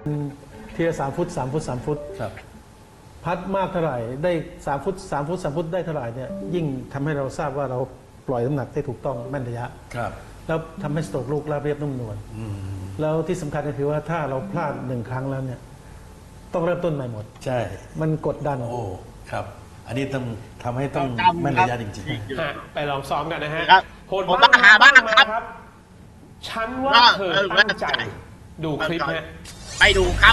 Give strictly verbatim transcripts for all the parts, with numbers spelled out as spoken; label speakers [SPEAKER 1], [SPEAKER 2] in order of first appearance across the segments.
[SPEAKER 1] ทีละสามฟุตสามฟุตสามฟุต
[SPEAKER 2] ครับ
[SPEAKER 1] พัดมากเท่าไหร่ได้สามฟุตสามฟุตสามฟุตได้เท่าไหร่เนี่ยยิ่งทำให้เราทราบว่าเราปล่อยน้ำหนักได้ถูกต้องแม่นระยะ
[SPEAKER 2] ครับ
[SPEAKER 1] แล้วทำให้สโตรกลูกราบเรียบนุ่มนวลแล้วที่สำคัญก็คือว่าถ้าเราพลาดหนึ่งครั้งแล้วเนี่ยต้องเริ่มต้นใหม่หมด
[SPEAKER 2] ใช่
[SPEAKER 1] มันกดดัน
[SPEAKER 2] โอ้ครับ อันนี้ต้องทำให้ต้อง
[SPEAKER 3] จำ
[SPEAKER 2] แม่น
[SPEAKER 3] ครับ
[SPEAKER 2] ระยะจริง
[SPEAKER 4] ฮะไปลองซ้อมกันนะฮะ
[SPEAKER 3] ครับ
[SPEAKER 4] โหด
[SPEAKER 3] ผม
[SPEAKER 4] บ้าง
[SPEAKER 3] มาหาบ้าง
[SPEAKER 4] มา
[SPEAKER 3] ครับ
[SPEAKER 4] ครับ ฉันว่า
[SPEAKER 3] ว่า
[SPEAKER 4] เธอ
[SPEAKER 3] เออ
[SPEAKER 4] ตั้งใจ
[SPEAKER 3] ว่า
[SPEAKER 4] ดูคลิปฮะ
[SPEAKER 3] ไปดูครับ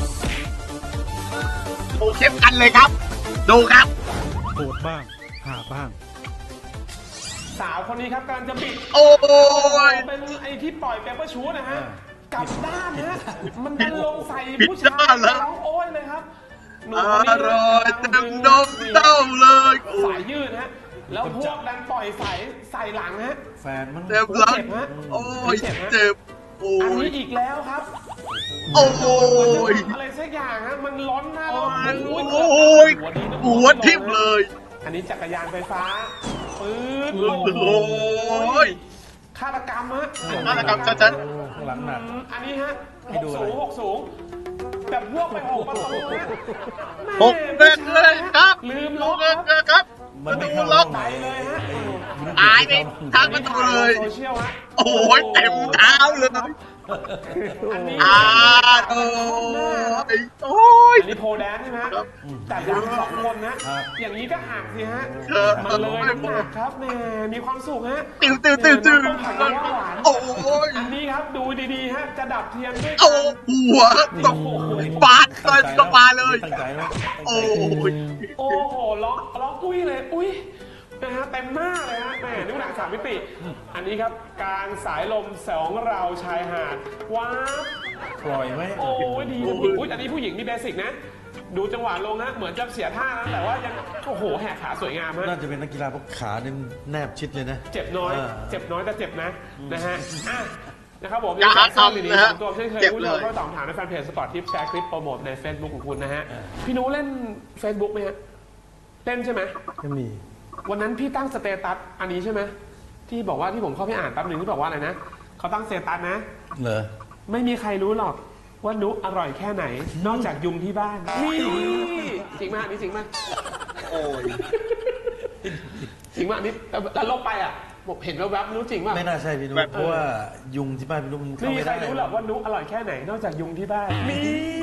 [SPEAKER 3] ดูคลิปกันเลยครับ ดูครับ
[SPEAKER 1] โหดบ้างหาบ้าง
[SPEAKER 4] สาวคนนี้ครับกำลังจะบิด
[SPEAKER 3] โอ้ย
[SPEAKER 4] เป็นไอ้ที่ปล่อยเปเปอร์ชูนะฮะ
[SPEAKER 2] อ่า
[SPEAKER 4] กลับด้านนะมันดันลงใส่
[SPEAKER 3] บิด
[SPEAKER 4] ผู้ชา
[SPEAKER 3] ด้าย นแล้ว
[SPEAKER 4] ร้องโอ้ยเลยครับหนู
[SPEAKER 3] อ
[SPEAKER 4] คนนี้
[SPEAKER 3] ร่อยเต็มนมเต้าเลย
[SPEAKER 4] สายยืดฮะแล้วพวกดันปล่อยสายใส่หลังฮะ
[SPEAKER 2] ๆ แฟนมัน
[SPEAKER 3] เต็มหลัง
[SPEAKER 4] เจ็บฮะ
[SPEAKER 3] โอ้ย
[SPEAKER 4] เจ็บฮะ
[SPEAKER 3] เจ็บโอ้
[SPEAKER 4] อัน
[SPEAKER 3] ย
[SPEAKER 4] นี้อีกแล้วครับ
[SPEAKER 3] โอ้ย
[SPEAKER 4] อะไรสักอย่างฮะมันล้นหน้าแล้ว
[SPEAKER 3] โอ้ย
[SPEAKER 4] โอ้
[SPEAKER 3] โอ้ย
[SPEAKER 4] หัวนี้นะ
[SPEAKER 3] หัวทิ่มเลย
[SPEAKER 4] อันนี้จักรยานไฟฟ้าปื๊ด
[SPEAKER 3] โอ้ย
[SPEAKER 4] ฆาตกรรมฮะ
[SPEAKER 3] ฆาตกรรมชัด
[SPEAKER 2] ข้างหลังหนัก
[SPEAKER 4] อืมอันนี้ฮะ
[SPEAKER 2] ให้
[SPEAKER 4] หก
[SPEAKER 2] ดูอะไร
[SPEAKER 4] สูงหกสูงแบบพวกไปหกประตูฮะ
[SPEAKER 3] หกเด็กเลยครับ
[SPEAKER 4] ลืม
[SPEAKER 3] ลู
[SPEAKER 4] ล็อก
[SPEAKER 3] ก
[SPEAKER 4] ครับ
[SPEAKER 3] ครับ
[SPEAKER 2] มั
[SPEAKER 3] ป
[SPEAKER 2] น
[SPEAKER 3] ระ
[SPEAKER 2] ไม่
[SPEAKER 3] ตู
[SPEAKER 2] เข้า
[SPEAKER 3] ล็อก
[SPEAKER 4] ไปเลยฮะ
[SPEAKER 3] ตายไปทางประตูเลย
[SPEAKER 4] โซเชียลฮะ
[SPEAKER 3] โอ้ยเต็มเท้าเลย
[SPEAKER 4] อันนี้
[SPEAKER 3] อ่าโอ้ยโอ้ย
[SPEAKER 4] อันนี้โพแดนใช่ไหมฮะ
[SPEAKER 3] ครับ
[SPEAKER 4] แต่ยังสองคนนะ
[SPEAKER 2] ครับ
[SPEAKER 4] อย่างนี้ก็หักสิฮะ
[SPEAKER 3] ครับ
[SPEAKER 4] มันเลยน้ำหนักครับแหมมีความสุขฮะ
[SPEAKER 3] ติวติวติวติว
[SPEAKER 4] น้ำต้มผักกะหวาน
[SPEAKER 3] โอ้ย
[SPEAKER 4] อันนี้ครับดูดีๆฮะจะดับเทียนด้วย
[SPEAKER 3] โอ้หัวตกบาดเลยตกบาดเลย
[SPEAKER 2] ตั้งใจไหมตั้งใจ
[SPEAKER 3] โอ้ย
[SPEAKER 4] โอ้โหร้องร้องอุ้ยเลยอุ้ยนะฮะเต็มหน้าเลยฮะแหมนึกหนังสามมิติ อันนี้ครับการสายลมสองเราชายหาดว้าว
[SPEAKER 2] ปล่อยไหม
[SPEAKER 4] โอ้ยดีนะพี่อุ้ยอันนี้ผู้หญิงนี่เบสิกนะ ดูจังหวะลงนะเหมือนจะเสียท่านะแต่ว่ายังโอ้โหแหกขาสวยงามฮะ
[SPEAKER 2] น่าจะเป็นนักกีฬาเพราะขาเนี่ยแนบชิดเลยนะ
[SPEAKER 4] เจ็บน้อย
[SPEAKER 2] อ่า
[SPEAKER 4] เจ็บน้อยแต่เจ็บนะนะฮะอ่ะนะครับผม
[SPEAKER 3] อย่าหา
[SPEAKER 4] สร้าง
[SPEAKER 3] ทำ
[SPEAKER 4] ดี
[SPEAKER 3] นะ
[SPEAKER 4] ๆ
[SPEAKER 3] ฮะ
[SPEAKER 4] สองตัวเช่นเคย
[SPEAKER 3] เจ็บ
[SPEAKER 4] คุณ
[SPEAKER 3] เล
[SPEAKER 4] ผู้ชม
[SPEAKER 3] ย
[SPEAKER 4] ก็ตอบถามในแฟนเพจสปอร์ตทิปแชร์คลิปโปรโมทใน Facebook ของคุณนะฮะพี่นุ้เล่น Facebook ไหมฮะเล่นใช่ไหม
[SPEAKER 1] ก็มี
[SPEAKER 4] วันนั้นพี่ตั้งสเตตัสอันนี้ใช่ไหมที่บอกว่าที่ผมเข้าไปอ่านแป๊บหนึ่งที่บอกว่าอะไรนะเขาตั้งสเตตัสนะ
[SPEAKER 2] เหรอ
[SPEAKER 4] ไม่มีใครรู้หรอกว่านุอร่อยแค่ไหน นอกจากยุงที่บ้านนี่จริงมากนี่จริงมาก
[SPEAKER 3] โอ้ย
[SPEAKER 4] จริงมากนี่แล้วลบไปอ่ะผมเห็นแวบๆนุจริงมาก
[SPEAKER 2] ไม่น่าใช่พี่นุ้ยเพราะว่ายุงที่บ้านพี่นุ้ยมัน
[SPEAKER 4] ไม่
[SPEAKER 2] เข้า
[SPEAKER 4] มี
[SPEAKER 2] ไม่
[SPEAKER 4] ใคร
[SPEAKER 2] ได้
[SPEAKER 4] รู้หรอกว่านุอร่อยแค่ไหน นอกจากยุงที่บ้านนี่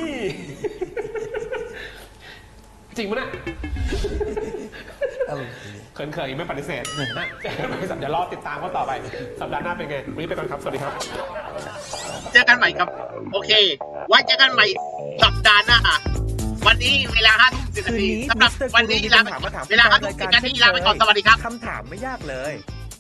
[SPEAKER 4] จริงมั้ยเนี่ย
[SPEAKER 2] อะไร
[SPEAKER 4] เขินๆไม่ปฏิเสธนะเดี๋ยวรอติดตามเขาต่อไปสัปดาห์หน้าเป็นไงวันนี้ไปก่อนครับสวัสดีครับ
[SPEAKER 3] เจอกันใหม่ครับ โอเค ไว้เจอกันใหม่สัปดาห์หน้า วันนี้เวลาห้าทุ่มสิบนาทีสำหรับวันนี้ลาไปเวลาห้าทุ่มสิบนาทีลาไปก่อนสวัสดีครับ
[SPEAKER 5] คำถามไม่ยากเลย